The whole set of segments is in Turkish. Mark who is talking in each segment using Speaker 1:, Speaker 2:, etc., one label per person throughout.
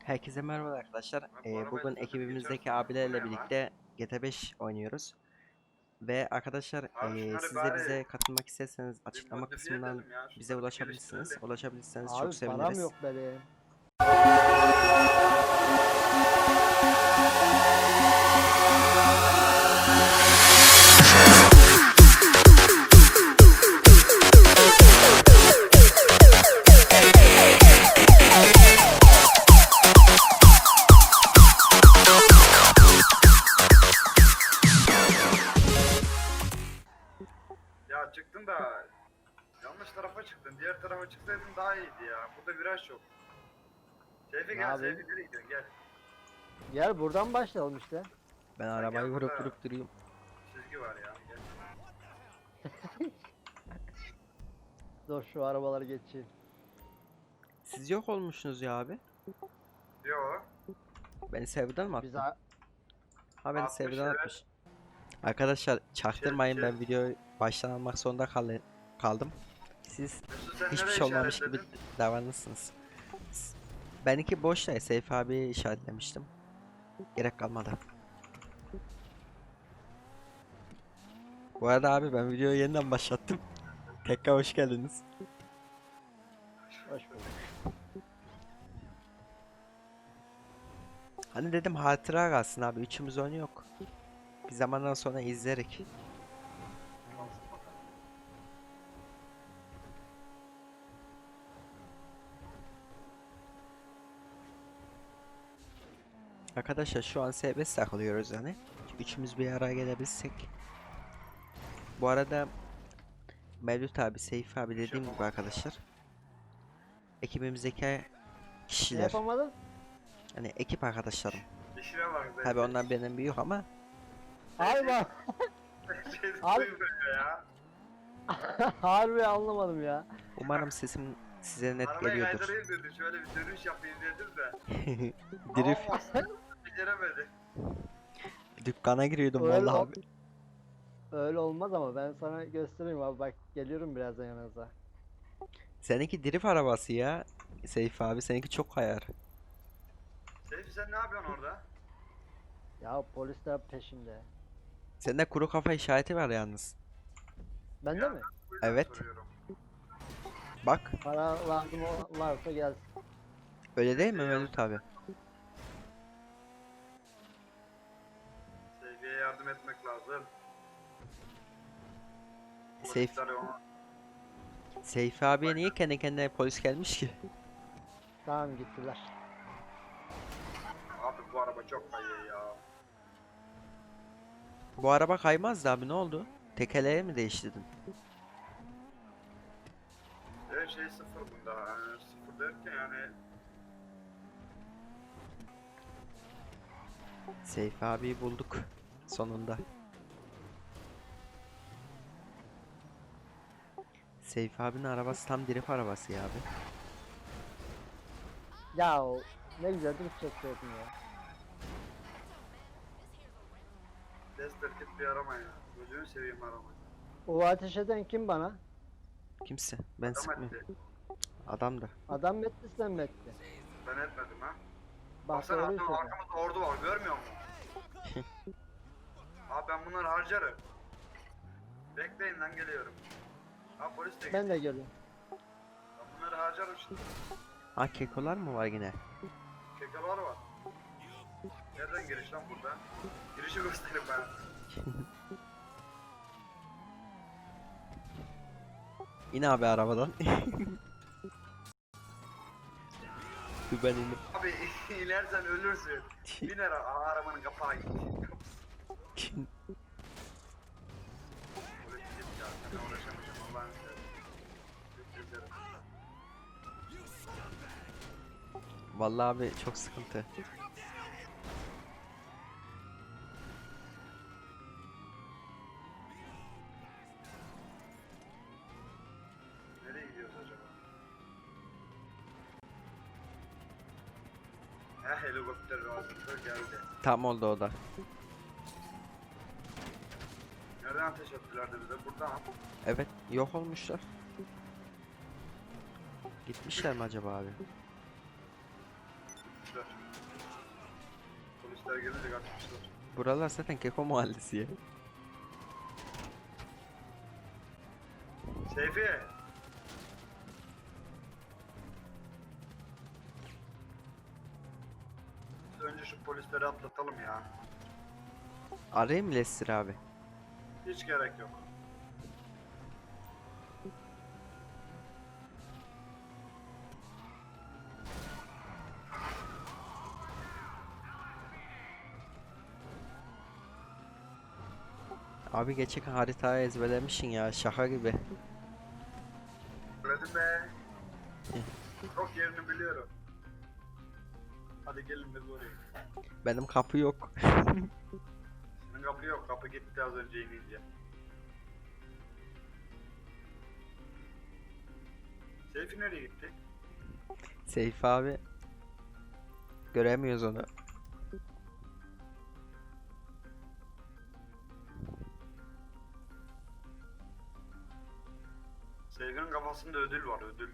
Speaker 1: Herkese merhaba arkadaşlar.
Speaker 2: Abi bu arabayla
Speaker 1: Bugün
Speaker 2: zaten
Speaker 1: ekibimizdeki
Speaker 2: geçersin. Bu ne
Speaker 1: abilerle
Speaker 2: lan?
Speaker 1: birlikte GTA 5 oynuyoruz. Ve arkadaşlar
Speaker 2: Abi şunları
Speaker 1: siz de
Speaker 2: bari
Speaker 1: bize katılmak isterseniz
Speaker 2: bir
Speaker 1: açıklama
Speaker 2: modifiye
Speaker 1: kısmından
Speaker 2: edelim ya.
Speaker 1: bize
Speaker 2: Şunları bir
Speaker 1: ulaşabilirsiniz.
Speaker 2: geliştirelim.
Speaker 1: Ulaşabilirseniz çok
Speaker 3: Abi param
Speaker 1: seviniriz.
Speaker 3: yok benim.
Speaker 2: Ya çıktın da yanlış tarafa çıktın. Diğer tarafa çıksaydın daha iyiydi ya. Burada viraj yok. Seyfi
Speaker 3: Ne
Speaker 2: gel,
Speaker 3: yapayım?
Speaker 2: Seyfi nereye gidiyorsun? Gel.
Speaker 3: Gel buradan başlayalım işte.
Speaker 1: Ben
Speaker 2: gel
Speaker 1: arabayı vurup
Speaker 2: burada.
Speaker 1: vurup duruyorum.
Speaker 2: Çizgi var ya. Gel.
Speaker 3: Dur şu arabaları geçeyim.
Speaker 1: Siz yok olmuşsunuz ya abi.
Speaker 2: Yo.
Speaker 1: Beni serverden mi
Speaker 3: Biz
Speaker 1: attın? Ha beni
Speaker 2: 60
Speaker 1: serverden
Speaker 2: evet.
Speaker 1: atmış. Arkadaşlar çaktırmayın,
Speaker 2: Şey-
Speaker 1: ben videoyu baştan almak zorunda kaldım. Siz
Speaker 2: Mesut sen
Speaker 1: hiçbir
Speaker 2: nereye
Speaker 1: şey olmamış gibi
Speaker 2: işaretledin?
Speaker 1: davranırsınız. Benimki boşta, Seyfi abi işaretlemiştim. Gerek kalmadı. Bu arada abi ben videoyu yeniden başlattım. Tekrar hoş geldiniz.
Speaker 3: Hoş bulduk.
Speaker 1: Hani dedim hatıra kalsın abi, üçümüz oyunu yok. Bir zamandan sonra izlerik. Arkadaşlar şu an serbest takılıyoruz yani. Üçümüz bir araya gelebilsek. Bu arada Mevlüt abi, Seyfi abi dediğim gibi arkadaşlar. Ekibimizdeki
Speaker 3: Ne
Speaker 1: kişiler.
Speaker 3: yapamadın?
Speaker 1: Hani ekip arkadaşlarım.
Speaker 2: İşine bak Seyfi.
Speaker 1: Tabi onlar benim büyük ama
Speaker 3: Abi bak.
Speaker 2: Şey
Speaker 3: Abi-
Speaker 2: duymuyor ya.
Speaker 3: Harbi anlamadım ya.
Speaker 1: umarım sesim size net
Speaker 2: Arabayı
Speaker 1: geliyordur.
Speaker 2: kaydırayım dedi. Şöyle bir dönüş yapayım dedim de.
Speaker 1: Drift
Speaker 2: Ama beceremedi.
Speaker 1: dükkana giriyordum
Speaker 3: Öyle,
Speaker 1: vallahi abi.
Speaker 3: öyle olmaz ama ben sana göstereyim abi, bak geliyorum birazdan yanınıza.
Speaker 1: Seninki drift arabası ya. Seyfi abi, seninki çok hayar.
Speaker 2: Seyfi sen ne yapıyorsun orada?
Speaker 3: Ya polisler peşimde.
Speaker 1: Sende kuru kafa işareti var yalnız.
Speaker 3: Bende
Speaker 2: Ya,
Speaker 3: mi?
Speaker 2: Bu yüzden
Speaker 1: Evet.
Speaker 2: soruyorum.
Speaker 1: Bak
Speaker 3: Para lazım varsa gelsin.
Speaker 1: öyle değil mi Mevlüt abi?
Speaker 2: Seyfi'ye yardım etmek lazım.
Speaker 1: Seyf,
Speaker 2: Polisler ona-
Speaker 1: Seyfi abiye niye kendi kendine polis gelmiş ki?
Speaker 3: Tamam gittiler.
Speaker 2: Abi bu araba çok kayıyor ya.
Speaker 1: Bu araba kaymazdı abi, ne oldu? Tekerleği mi değiştirdin?
Speaker 2: Her şey sıfır bunda. Yani sıfır derken yani
Speaker 1: Seyfi abiyi bulduk sonunda. Seyfi abinin arabası tam drift arabası ya abi.
Speaker 3: Ya ne güzel drift çekiyordun ya.
Speaker 2: tester git bir arama ya. Gözünü seveyim arama.
Speaker 3: O ateş eden kim bana?
Speaker 1: Kimse. Ben
Speaker 2: Adam
Speaker 1: sıkmıyorum.
Speaker 2: etti.
Speaker 1: Adam da.
Speaker 3: Adam mı etti sen mi etti?
Speaker 2: Ben etmedim ha.
Speaker 3: Bak
Speaker 2: Baksana
Speaker 3: doğruyu
Speaker 2: adam
Speaker 3: söyle.
Speaker 2: arkamızda ordu var görmüyor musun? Abi ben bunları harcarım. Bekleyin lan geliyorum. Ha polis de
Speaker 3: Ben
Speaker 2: gitti.
Speaker 3: de geliyorum.
Speaker 2: Ben bunları harcarım şimdi.
Speaker 1: Ha, kekolar mı var yine?
Speaker 2: Kekeler var. Nereden giriş lan burada? Girişi göstereyim ben.
Speaker 1: İn abi arabadan. Dur ben indim.
Speaker 2: Abi inersen ölürsün. Biner arabanın kapağı gitti. Polis gitti ya. Sen uğraşamayacağım Allah'ını seversen. Özür dilerim.
Speaker 1: Vallahi abi çok sıkıntı.
Speaker 2: Nereye gidiyoruz acaba? Helikopter lazımdı geldi.
Speaker 1: Tam oldu o da.
Speaker 2: Nereden ateş ettiler de bize? Buradan.
Speaker 1: Evet, yok olmuşlar. Gitmişler mi acaba abi?
Speaker 2: kaçmışlar. Polisler gelince kaçmışlar.
Speaker 1: Buralar zaten Keko mahallesi ya.
Speaker 2: Seyfi. Önce şu polisleri atlatalım ya.
Speaker 1: Arayayım mı Lester abi?
Speaker 2: Hiç gerek yok.
Speaker 1: Abi geçen haritayı ezberlemişsin ya, şaka gibi.
Speaker 2: Söyledim be. Çok yerini biliyorum. Hadi gelin biz oraya.
Speaker 1: Benim kapı yok.
Speaker 2: Senin kapı yok. Kapı gitti az önce inince. Seyfi nereye gitti?
Speaker 1: Seyfi abi. Göremiyoruz onu.
Speaker 2: Seyfi'nin kafasında ödül var, ödül.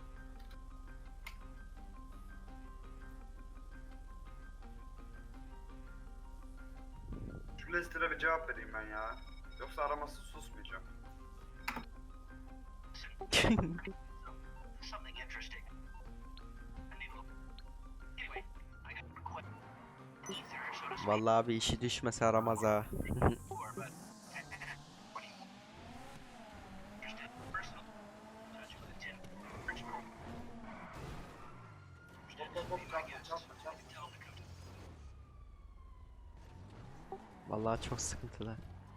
Speaker 2: Şu Lester'e bir cevap vereyim ben ya. Yoksa araması susmayacağım.
Speaker 4: Something interesting. Anyway, I got a request. Ether, so to speak,
Speaker 1: Vallahi abi işi düşmese aramaz ha.
Speaker 4: before, but what do you interested? Personal touch with a tin. Richmond.
Speaker 2: Hop hop hop çarpma çarpma çarpma.
Speaker 4: Tell him to come to
Speaker 1: Vallahi çok sıkıntılı.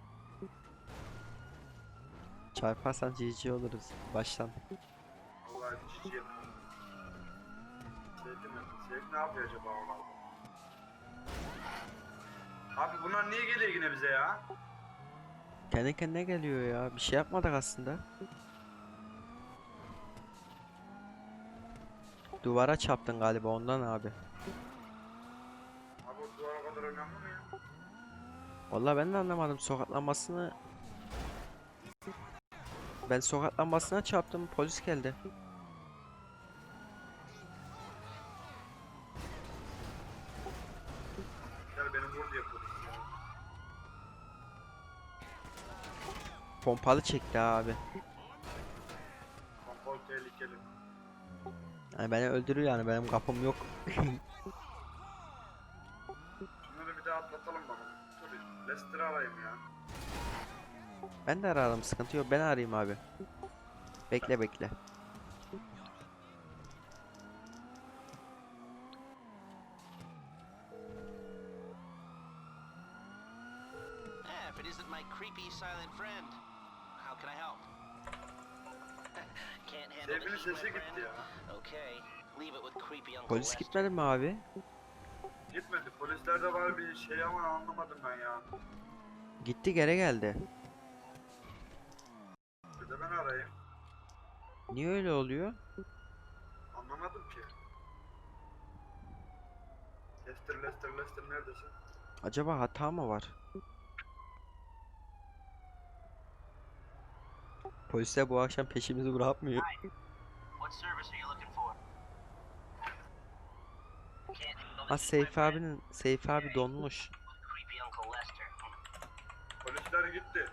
Speaker 1: Çarparsan GG oluruz baştan.
Speaker 2: Vallahi cici yapıyor. Seyfi mi? Seyfi ne yapıyor acaba oralarda? Abi bunlar niye geliyor yine bize ya?
Speaker 1: Kendi kendine geliyor ya. Bir şey yapmadık aslında. Duvara çarptın galiba ondan abi.
Speaker 2: Abi o duvara kadar önemli mi ya?
Speaker 1: Vallahi ben de anlamadım sokaklanmasını. Ben sokaklanmasına çarptım, polis geldi.
Speaker 2: Gel benim vur diye polis ya.
Speaker 1: Pompalı çekti abi.
Speaker 2: Kontrol tehlikeli.
Speaker 1: Yani beni öldürür yani, benim kapım yok.
Speaker 2: Şunları bir daha atlatalım bakalım. Dur Lester'ı arayayım ya.
Speaker 1: Ben de ararım, sıkıntı yok, ben arayayım abi. Bekle bekle.
Speaker 5: If it isn't my creepy silent friend, how can I help?
Speaker 4: Can't handle the
Speaker 2: Seyfi'nin
Speaker 4: heat, my
Speaker 2: sesi
Speaker 4: friend?
Speaker 2: gitti ya.
Speaker 4: Okay, leave it with creepy Uncle
Speaker 1: Polis
Speaker 4: Lester.
Speaker 1: gitmedi mi abi?
Speaker 2: Gitmedi. Polislerde var bir şey ama anlamadım ben ya.
Speaker 1: Gitti, geri geldi.
Speaker 2: Bir de ben arayayım.
Speaker 1: Niye öyle oluyor?
Speaker 2: Anlamadım ki. Lester neredesin?
Speaker 1: Acaba hata mı var? Polisler bu akşam peşimizi bırakmıyor.
Speaker 4: What service are you looking for? Can't handle
Speaker 1: Ha
Speaker 4: the heat, my friend?
Speaker 1: Seyfi abi donmuş.
Speaker 4: Creepy Uncle Lester.
Speaker 2: Polisler gitti.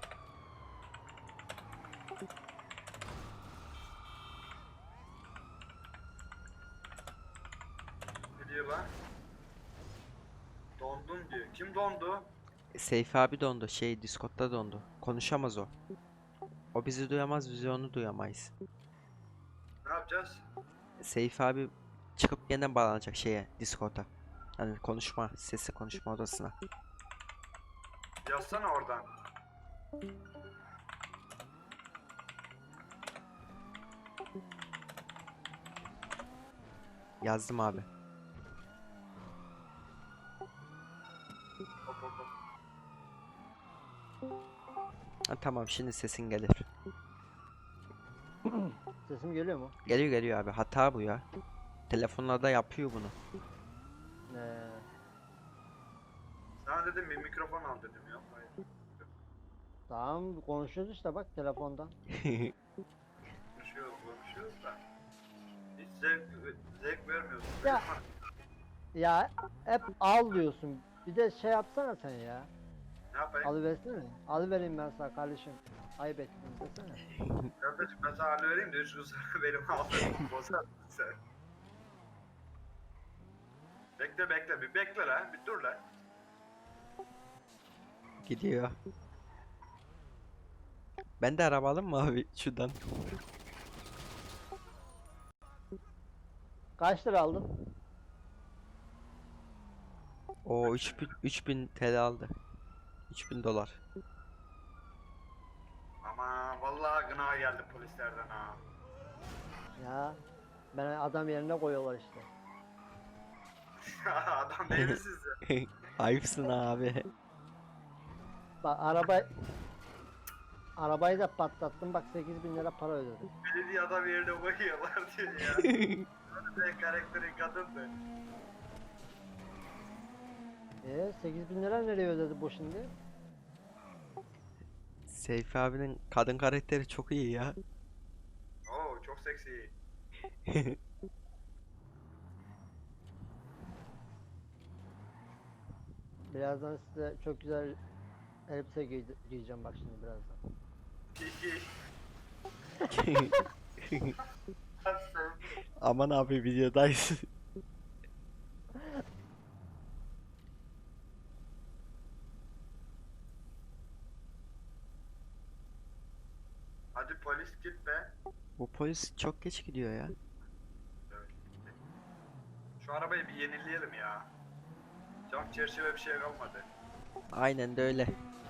Speaker 2: Ne diyor lan? Dondun diyor. Kim dondu?
Speaker 1: Seyfi abi dondu, Discord'da dondu. Konuşamaz o. O bizi duyamaz, biz onu duyamayız.
Speaker 2: Ne yapacağız?
Speaker 1: Seyfi abi çıkıp yeniden bağlanacak Discord'a. Yani sesli konuşma odasına.
Speaker 2: Yazsana oradan.
Speaker 1: Yazdım abi.
Speaker 2: Hop hop hop.
Speaker 1: Ha, tamam, şimdi sesin gelir.
Speaker 3: Sesim geliyor mu?
Speaker 1: Geliyor geliyor abi, hata bu ya. Telefonlarda yapıyor bunu.
Speaker 2: Sana dedim bir mikrofon al dedim ya. Hayır.
Speaker 3: Tamam konuşuyoruz işte bak telefondan.
Speaker 2: Konuşuyoruz da. Hiç zevk vermiyorsun.
Speaker 3: Ya. Ya hep al diyorsun. Bir de şey yapsana sen ya.
Speaker 2: Ne yapayım?
Speaker 3: Alıversene. Alıvereyim ben sana kardeşim. Ayıp ettin desene.
Speaker 2: Kardeşim ben sana halı vereyim de 3 gün sonra benim aldığımı bozarsın sen. Bekle bekle bir bekle lan bir dur lan.
Speaker 1: Gidiyor. Ben de araba alayım mı abi şuradan?
Speaker 3: Kaç lira aldın?
Speaker 1: O 3000 TL aldı. 3000 dolar.
Speaker 2: Ama vallahi gına geldi polislerden ha.
Speaker 3: Ya ben adam yerine koyuyorlar işte.
Speaker 2: Adam değil mi sizde?
Speaker 1: Ayıpsın abi.
Speaker 3: Bak arabayı da patlattım bak 8.000 lira para ödedim.
Speaker 2: Belediye adam yerine koyuyorlar diyor ya. Böyle karakterin kadındı.
Speaker 3: 8.000 lira nereye ödedi bu şimdi?
Speaker 1: Seyfi abinin kadın karakteri çok iyi ya.
Speaker 2: Oo çok seksi.
Speaker 3: Birazdan size çok güzel elbise giyeceğim bak şimdi birazdan.
Speaker 1: Aman abi videodayız.
Speaker 2: Hadi polis git be.
Speaker 1: Bu polis çok geç gidiyor ya.
Speaker 2: Şu arabayı bir yenileyelim ya. Cam çerçeve bir şey kalmadı.
Speaker 1: Aynen de öyle.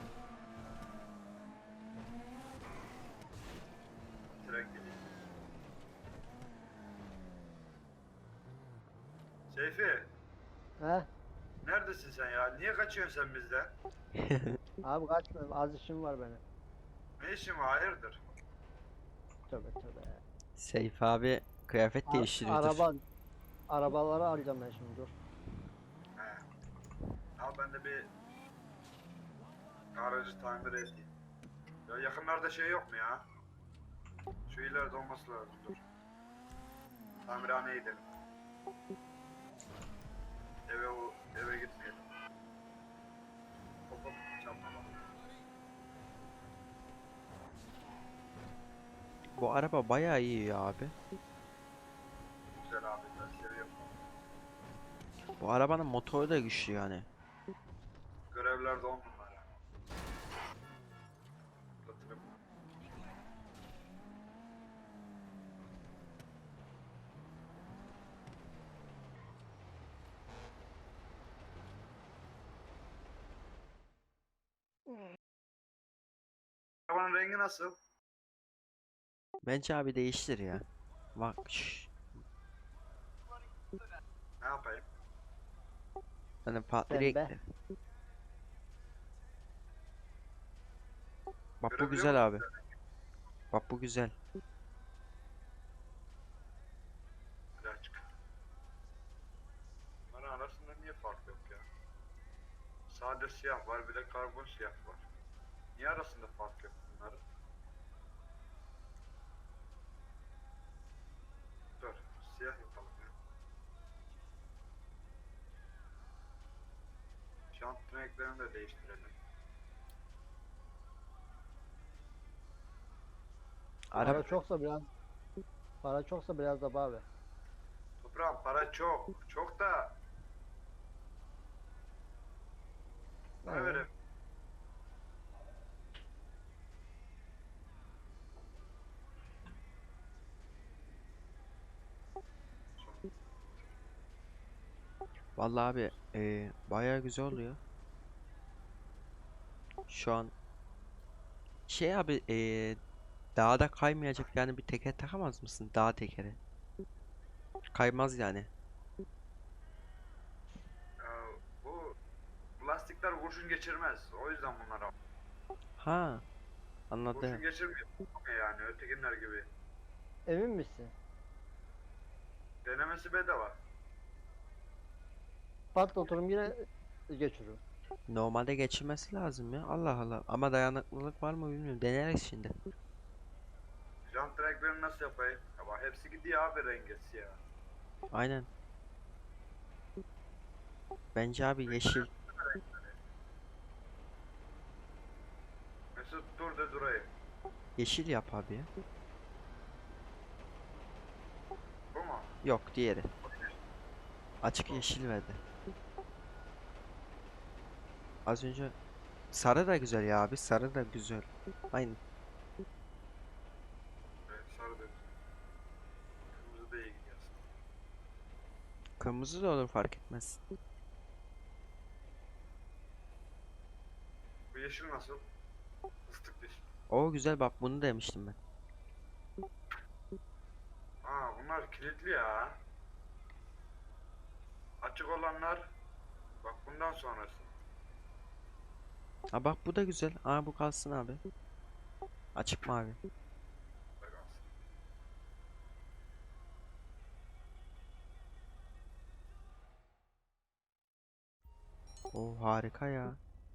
Speaker 2: Tren geliyor. Seyfi,
Speaker 3: He?
Speaker 2: neredesin sen ya? Niye kaçıyorsun sen bizden?
Speaker 3: Abi kaçma az işim var benim.
Speaker 2: Ne işin var? Hayırdır?
Speaker 3: Tövbe tövbe.
Speaker 1: Seyfi abi kıyafet değiştiriyordur.
Speaker 3: Arabaları alacağım ben şimdi dur.
Speaker 2: He. Al ben de bir aracı tamir edeyim. Ya yakınlarda şey yok mu ya? Şu ileride olması lazım dur. Tamirhaneye gidelim. Eve gitmeyelim. Hop hop çarpma bak.
Speaker 1: Bu araba bayağı iyi ya abi.
Speaker 2: Güzel abi ben seviyorum.
Speaker 1: Bu arabanın motoru da güçlü yani.
Speaker 2: Görevlerde 10 numara. Atlatırım. Arabanın rengi nasıl?
Speaker 1: Bence abi değiştir ya. Bak şş,
Speaker 2: Ne yapayım?
Speaker 1: hani farklı
Speaker 3: Pembe.
Speaker 1: renkli. Bak bu
Speaker 2: Görebiliyor
Speaker 1: güzel abi.
Speaker 2: musun?
Speaker 1: Bak bu güzel.
Speaker 2: Güzel çık. Bunların arasında niye fark yok ya? Sade siyah var bir de karbon siyah var. Niye arasında fark yok bunların? Dur, siyah yapalım ya. Jant renklerini de değiştirelim.
Speaker 1: Araba
Speaker 3: Para çoksa biraz da abi.
Speaker 2: Toprağım para çok, çok da ne
Speaker 3: Evet.
Speaker 2: vereyim?
Speaker 1: vallahi abi bayağı güzel oluyor. Şu an şey abi dağda kaymayacak yani bir teker takamaz mısın? Dağ tekeri. Kaymaz yani.
Speaker 2: Ee, bu lastikler kurşun geçirmez. O yüzden bunlara
Speaker 1: Ha,
Speaker 2: kurşun
Speaker 1: anladım.
Speaker 2: geçirmiyor yani ötekiler gibi.
Speaker 3: Emin misin?
Speaker 2: Denemesi bedava.
Speaker 3: Patlatırım yine geçiririm.
Speaker 1: Normalde geçirmesi lazım ya. Allah Allah. Ama dayanıklılık var mı bilmiyorum. Deneriz şimdi.
Speaker 2: Jant renklerini nasıl yapayım? Ama hepsi gidiyor abi rengi siyah.
Speaker 1: Aynen. Bence abi yeşil.
Speaker 2: Mesut dur de durayım.
Speaker 1: Yeşil yap abi ya.
Speaker 2: Bu mu?
Speaker 1: Yok diğeri. Açık yeşil verdi. Az önce sarı da güzel ya abi. Sarı da güzel. Aynı.
Speaker 2: Evet, sarı da güzel. Kırmızı da iyi gidiyor aslında.
Speaker 1: Kırmızı da olur fark etmez.
Speaker 2: Bu yeşil nasıl? Fıstık diş.
Speaker 1: O güzel bak bunu demiştim ben.
Speaker 2: Aa bunlar kilitli ya. Açık olanlar bak bundan sonrası.
Speaker 1: Ha bak bu da güzel. Aa bu kalsın abi. Açık mavi.
Speaker 2: Bak alsın.
Speaker 1: O harika ya.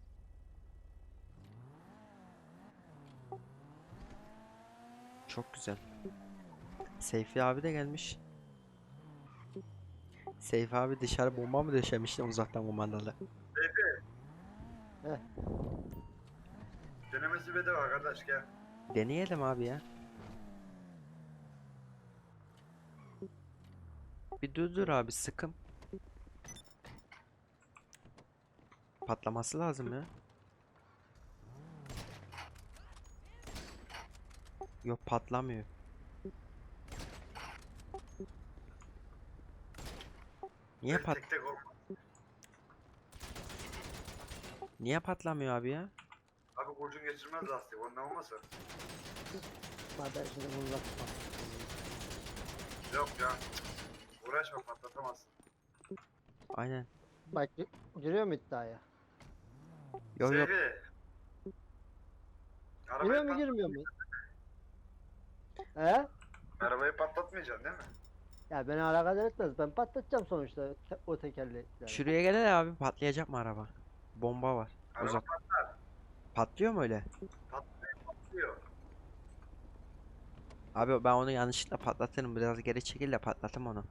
Speaker 1: Çok güzel. Seyfi abi de gelmiş. Seyfi abi dışarı bomba mı döşemişti uzaktan kumandalı?
Speaker 2: Denemesi bedava arkadaş gel.
Speaker 1: Deneyelim abi ya. Bir dur abi sıkım. Patlaması lazım ya. Yok patlamıyor. Niye
Speaker 2: Tek
Speaker 1: pat
Speaker 2: tek tek olmaz.
Speaker 1: Niye patlamıyor abi ya?
Speaker 2: Abi kurşun geçirmez lastik ondan olmasa.
Speaker 3: Zaten şimdi bunu yapma.
Speaker 2: Yok ya. Uğraşma patlatamazsın.
Speaker 1: Aynen.
Speaker 3: Bak giriyor mu iddiaya?
Speaker 1: Yok yok.
Speaker 2: Seyfi.
Speaker 3: Giriyor mu girmiyor mu? He?
Speaker 2: Arabayı patlatmayacaksın değil mi?
Speaker 3: Ya beni alakadar etmez. Ben patlatacağım sonuçta o tekerlekleri.
Speaker 1: Şuraya gel abi patlayacak mı araba? Bomba var.
Speaker 2: Araba
Speaker 1: Uzak. Patlıyor mu öyle?
Speaker 2: patlıyor.
Speaker 1: Abi ben onu yanlışlıkla patlatırım. Biraz geri çekil de patlatım onu.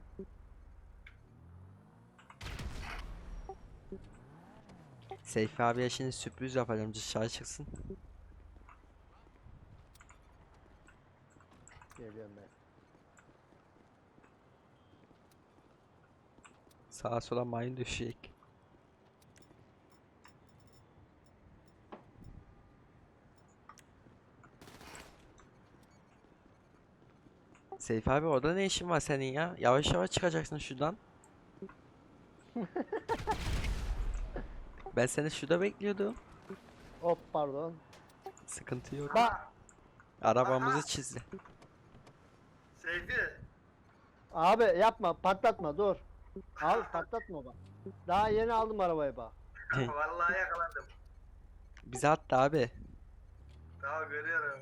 Speaker 1: Seyfi abiye şimdi sürpriz yapacağım. Dışarı çıksın.
Speaker 3: Geliyorum ben.
Speaker 1: Sağa sola mayın düşecek. Seyfi abi orada ne işin var senin ya? Yavaş yavaş çıkacaksın şuradan. Ben seni şurada bekliyordum.
Speaker 3: Hop pardon.
Speaker 1: Sıkıntı yok.
Speaker 3: Bak
Speaker 1: Arabamızı çizdi.
Speaker 2: Seyfi.
Speaker 3: abi yapma patlatma dur. Abi patlatma bak. Daha yeni aldım arabayı bak.
Speaker 2: Vallahi yakalandım.
Speaker 1: Bize attı abi.
Speaker 2: Tamam görüyorum.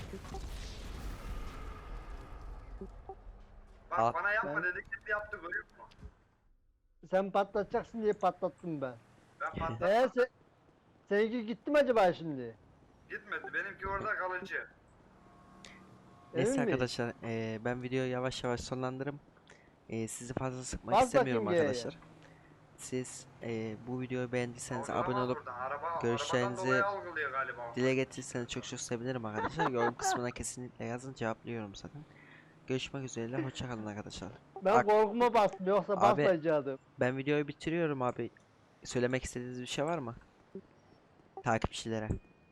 Speaker 2: Bak
Speaker 1: Al.
Speaker 2: bana yapma
Speaker 3: Ben-
Speaker 2: dediklerini yaptı görüyor musun?
Speaker 3: Sen patlatacaksın diye patlattım ben.
Speaker 2: Ben patlattım.
Speaker 3: Seninki gitti mi acaba şimdi?
Speaker 2: Gitmedi. Benimki orada kalıcı.
Speaker 1: Neyse
Speaker 3: Emin miyiz?
Speaker 1: arkadaşlar ben videoyu yavaş yavaş sonlandırırım. Sizi fazla sıkmak
Speaker 3: Bas
Speaker 1: istemiyorum
Speaker 3: bakayım G'ye.
Speaker 1: arkadaşlar. Siz bu videoyu beğendiyseniz
Speaker 2: Algılama
Speaker 1: abone olup
Speaker 2: buradan. Arabadan
Speaker 1: görüşlerinizi
Speaker 2: dolayı algılıyor galiba.
Speaker 1: dile getirirseniz çok çok sevinirim arkadaşlar. Yorum kısmına kesinlikle yazın, cevaplıyorum zaten. Görüşmek üzere, hoşça kalın arkadaşlar.
Speaker 3: Ben
Speaker 1: Bak-
Speaker 3: korkuma bastım yoksa
Speaker 1: Abi-
Speaker 3: basmayacaktım.
Speaker 1: Ben videoyu bitiriyorum abi. Söylemek istediğiniz bir şey var mı? Takipçilere.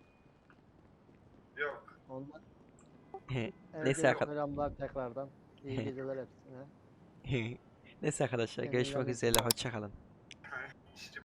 Speaker 2: Yok.
Speaker 3: Ondan
Speaker 1: Neyse
Speaker 3: herkese
Speaker 1: arkadaşlar.
Speaker 3: selamlar tekrardan. İyi geceler hepsine.
Speaker 1: Neyse arkadaşlar
Speaker 3: Kendinize
Speaker 1: görüşmek
Speaker 3: bakın.
Speaker 1: üzere, hoşça kalın.
Speaker 2: İşte